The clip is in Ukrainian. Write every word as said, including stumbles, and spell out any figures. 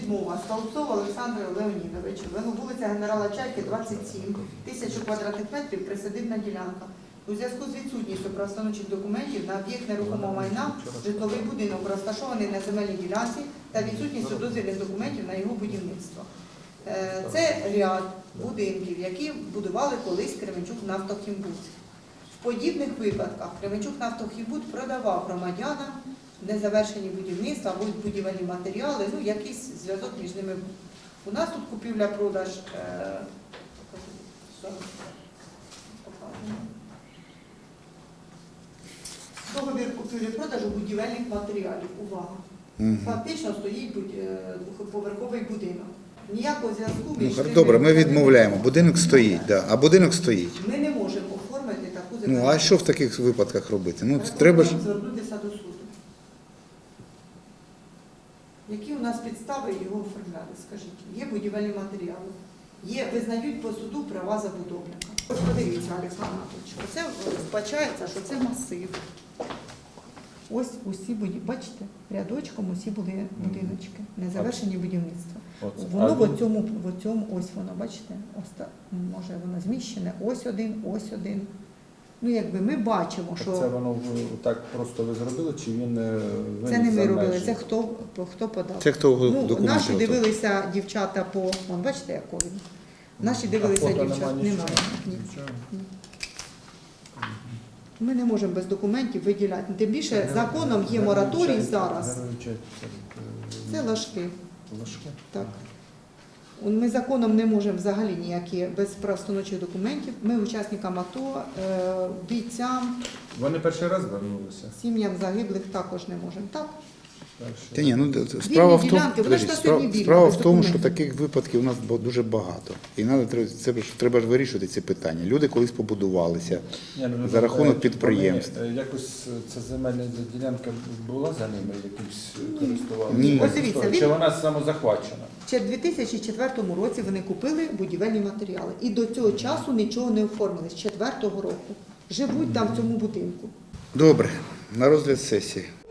відмова Столбцову Олександру Леонідовичу, вулиця Генерала Чайки, двадцять сім, тисячу квадратних метрів, присадибна ділянка. У зв'язку з відсутністю правоустановчих документів на об'єкт нерухомого майна житловий будинок розташований на земельній ділянці та відсутністю дозвільних документів на його будівництво. Е, Це ряд будинків, які будували колись Кременчук Нафтохімбуд. В подібних випадках Кременчук Нафтохімбуд продавав громадянам незавершені будівництва або будівельні матеріали, ну якийсь зв'язок між ними був. У нас тут купівля-продаж е, договір купівлі-продажу будівельних матеріалів. Увага! Угу. Фактично стоїть двохповерховий будинок. Ніякого зв'язку між Ну, ними добре, ми немає. відмовляємо. Будинок стоїть, да. А будинок стоїть. Ми не можемо оформити таку Ну, земельну. а що в таких випадках робити? Ну, треба ж... звернутися до суду. Які у нас підстави його оформляти, скажіть? Є будівельні матеріали, є, визнають по суду права забудовника. Ось подивіться, Олександр Анатолійович, оце вбачається, що це масив. Ось усі будівлі, бачите, рядочком усі були будиночки, незавершені будівництва. Оце. Воно А в він- цьому, в цьому, ось воно, бачите, оста, може воно зміщене, ось один, ось один. Ну, якби ми бачимо, що... Це воно в- так просто ви зробили, чи він е, виніс Це не ми за робили, межі? це хто, хто подав. Це хто Ну, документи наші готував? дивилися дівчата по, вон, бачите, якого він? Наші дивилися А фото дівчат, нема немає. нічого? Ні. Нічого? Ми не можемо без документів виділяти. Тим більше Герой- законом є герой мораторій чай- зараз. герой чай- Це лажки. Лажки? Так. Ми законом не можемо взагалі ніякі без правоустановчих документів. Ми учасникам АТО, е, бійцям, Вони перший раз вернулися. сім'ям загиблих також не можемо. Так? Перший. Та ні, ну д- д- справа в тому, ділянки, вони ж подожди, на справа, сьогодні вільні, справа без в тому, що документів. таких випадків у нас бо- дуже багато. І надо, треба, це, ж- треба ж вирішувати ці питання. Люди колись побудувалися. Ні, ну, за рахунок вони, підприємств. е, Якось е, ця земельна ділянка була за ними якимсь е, користувалася? Ні. Ось дивіться, він- Чи вона самозахвачена? Ще в дві тисячі четвертому році вони купили будівельні матеріали. І до цього часу нічого не оформили, з четвертого року. Живуть там в цьому будинку. Добре, на розгляд сесії.